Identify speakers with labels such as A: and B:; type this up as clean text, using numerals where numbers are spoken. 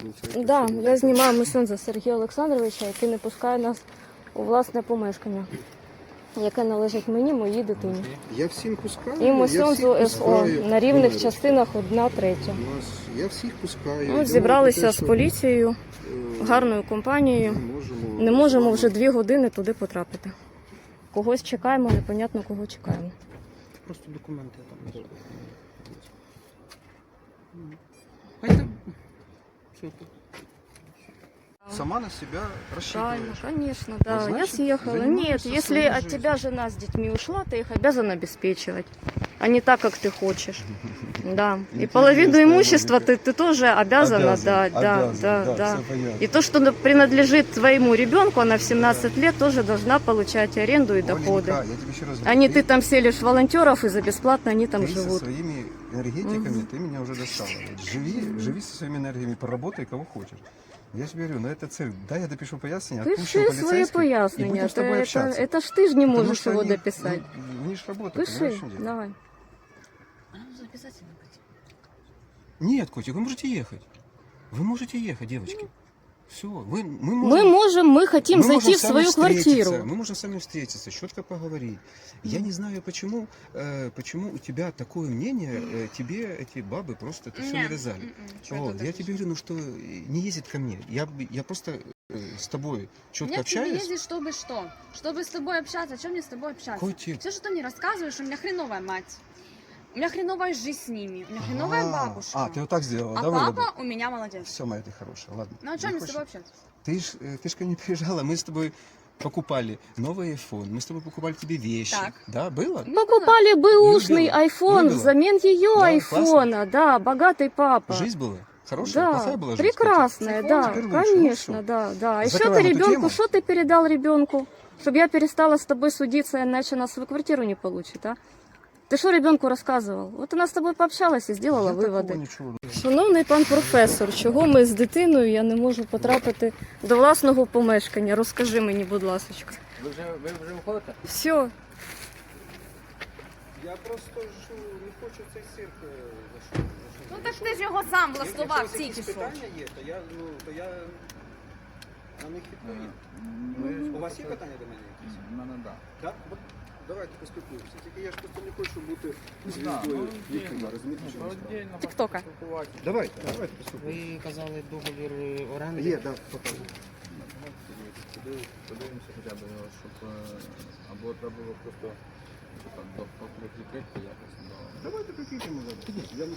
A: виходить.
B: Да, я знімаю месенджера Сергія Олександровича, який не пускає нас у власне помешкання, яке належить мені, моїй дитині.
A: Я всім пускаю.
B: І месенджу СО на рівних частинах 1/3.
A: Я всіх пускаю.
B: Ми зібралися з поліцією, гарною компанією. Не можемо вже 2 години туди потрапити. Когось чекаємо, непонятно кого чекаємо.
C: Просто документи там. А это... Все тут.
A: Сама на себя
B: Правильно,
A: рассчитываешь.
B: конечно, да.
A: значит,
B: Я съехала.
A: занимаешься
B: Нет, если
A: своей
B: от
A: жизнью.
B: тебя жена с детьми ушла, ты их обязан обеспечивать, а не так, как ты хочешь. Да. И половину имущества ты тоже обязана
A: Обязан,
B: да.
A: всё понятно.
B: И то, что принадлежит твоему ребенку, она в 17 лет тоже должна получать аренду и доходы.
A: Оленька, я тебе еще раз
B: А не ты там селишь волонтеров и за бесплатно они там
A: ты со
B: живут.
A: своими энергетиками, ты меня уже достала. Живи со своими энергиями, поработай кого хочешь. Я же говорю, это цель. Да, я допишу пояснение, отпущу
B: Пиши свои
A: полицейских и
B: пояснения.
A: будем с тобой общаться.
B: Это ж ты ж не
A: Потому
B: можешь
A: что
B: его
A: они-
B: дописать.
A: ну, они ж работают,
B: Пиши,
A: понимаешь, в чем дело?
B: давай.
A: Нет, котик, вы можете ехать. Вы можете ехать, девочки. Все, мы
B: Мы хотим
A: мы
B: зайти
A: можем
B: в
A: с вами
B: свою
A: встретиться,
B: квартиру.
A: Мы можем с вами встретиться, четко поговорить. Я не знаю, почему у тебя такое мнение, тебе эти бабы просто это все навязали. Вот, я тебе говорю, что не ездит ко мне. Я просто с тобой четко
D: Мне к тебе
A: общаюсь.
D: ездить, чтобы что? Чтобы с тобой общаться. О чем мне с тобой общаться?
A: Котик.
D: Все, что ты мне рассказываешь, у меня хреновая мать. У меня хреновая жизнь с ними. У меня хреновая бабушка.
A: А, ты вот так сделала,
D: А
A: да,
D: папа у меня молодец.
A: Все, моя ты хорошая, ладно.
D: Ну о чем мне с тобой общаться?
A: Ты ж ко мне приезжала, мы с тобой покупали новый iPhone, мы с тобой покупали тебе вещи.
D: Так.
A: Да, было?
B: Покупали бэушный
A: Любила.
B: айфон
A: Любила.
B: взамен ее
A: Да,
B: айфона. Да, богатый папа.
A: Жизнь была? Хорошая?
B: Да,
A: Плохая была жизнь?
B: прекрасная,
A: Котик?
B: да,
A: Теперь лучше, ну
B: конечно,
A: всё.
B: да, да. А еще
A: Закрываем
B: ты
A: эту тему.
B: ребенку, что ты передал ребенку? Чтобы я перестала с тобой судиться, иначе она свою квартиру не получит, а? Ты что ребенку рассказывал? Вот она с тобой пообщалась и сделала
A: Я такого
B: выводы.
A: нічого.
B: Шановний пан професор, чого ми з дитиною я не можу потрапити до власного помешкання? Розкажи мені, будь ласка.
C: Ви вже виходите?
B: Все.
A: Я просто не хочу цей цирк.
D: Ну так ти ж його сам влаштував тільки що.
A: є, то я на них відповім. У вас є питання до мене якісь?
C: У мене так.
A: Так? Давайте поспілкуємося. Тільки я ж просто не хочу бути звіздою Ютуба, розумієте, що я справа?
B: Тіктока.
A: Давайте поспілкуємося.
C: Ви казали договір оренди.
A: Є, так, покажу.
E: Подивимося хоча б, щоб або треба було просто прикрити якось.
A: Давайте прикріпимо зараз. Я не